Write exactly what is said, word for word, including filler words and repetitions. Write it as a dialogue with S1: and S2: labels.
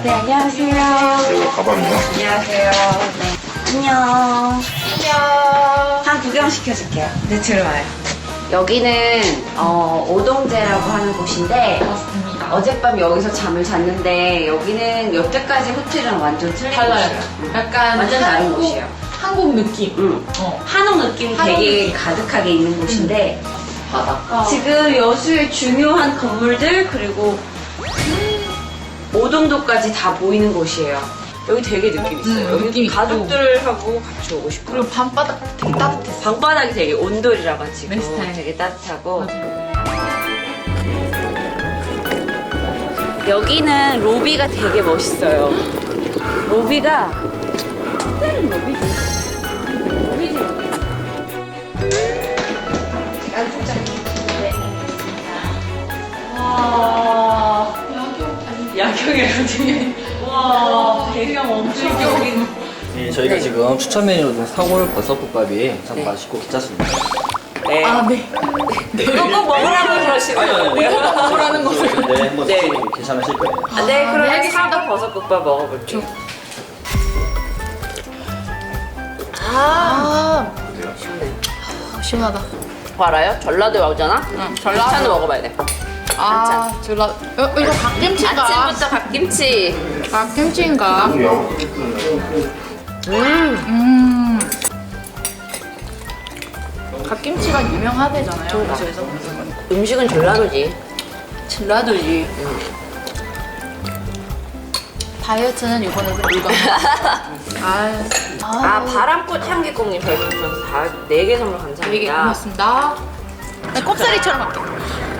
S1: 네, 안녕하세요.
S2: 그리고 가방이요.
S1: 안녕하세요. 네. 안녕. 안녕. 한 구경 시켜줄게요. 네, 들어와요. 여기는 어, 오동제라고 하는 곳인데
S3: 맞습니다.
S1: 어젯밤 여기서 잠을 잤는데 여기는 여태까지 호텔이랑 완전 틀린
S3: 달라요.
S1: 곳이에요. 응.
S3: 약간
S1: 완전 다른
S3: 한국,
S1: 곳이에요.
S3: 한국 느낌.
S1: 응.
S3: 어.
S1: 한옥 느낌
S3: 한옥
S1: 되게
S3: 느낌.
S1: 가득하게 있는 곳인데
S3: 바닷가.
S1: 지금 여수의 중요한 건물들 그리고 오동도까지 다 보이는 곳이에요. 여기 되게 느낌 있어요.
S3: 음,
S1: 여기
S3: 느낌 있고.
S1: 가족들하고 같이 오고 싶어요.
S3: 그리고 밤바닥 되게 따뜻했어.
S1: 방바닥이 되게 온돌이라 가지고
S3: 내 스타일.
S1: 되게 따뜻하고
S3: 맞아요.
S1: 여기는 로비가 되게 멋있어요. 로비가 특별한 로비지. 로비지. 안 소장해. 네.
S3: 와. 야경. 아니, 야경이라고 되게. 와. 배경 엄청 여긴.
S4: 예, 저희가
S1: 네.
S4: 지금 추천 메뉴로 둔 사골 버섯국밥이 참
S1: 네.
S4: 맛있고 괜찮습니다.
S1: 네.
S3: 아, 네.
S1: 그거 꼭 먹으라고 그러시고요.
S3: 뭐라는 거죠?
S4: 네, 한번
S1: 네.
S4: 드시면 괜찮으실 거예요.
S1: 아, 네,
S3: 아,
S1: 그러면
S3: 네, 알겠습니다.
S1: 사과 버섯국밥 먹어볼게요.
S3: 아,
S1: 시원해.
S3: 아, 시원하다.
S1: 그거 알아요? 전라도에 오잖아?
S3: 응,
S1: 반찬을 먹어봐야 돼.
S3: 아, 졸라. 어, 이거 갓김치인가?
S1: 아침부터 갓김치.
S3: 갓김치인가?
S1: 음.
S3: 음. 갓김치가 유명하대잖아요. 그래서
S1: 음식은 전라도지.
S3: 전라도지. 다이어트는 이번에 불가. 아,
S1: 아, 바람꽃 향기콩님 별풍선 다 네 개 선물 감사합니다.
S3: 되게 고맙습니다. 나 꼽사리처럼 할게.
S1: 어, 그래, 좋다, 좋다.
S3: 어, 그 괜찮죠?
S1: 잠깐, 잠깐만요.
S3: 아, 네.
S1: 아,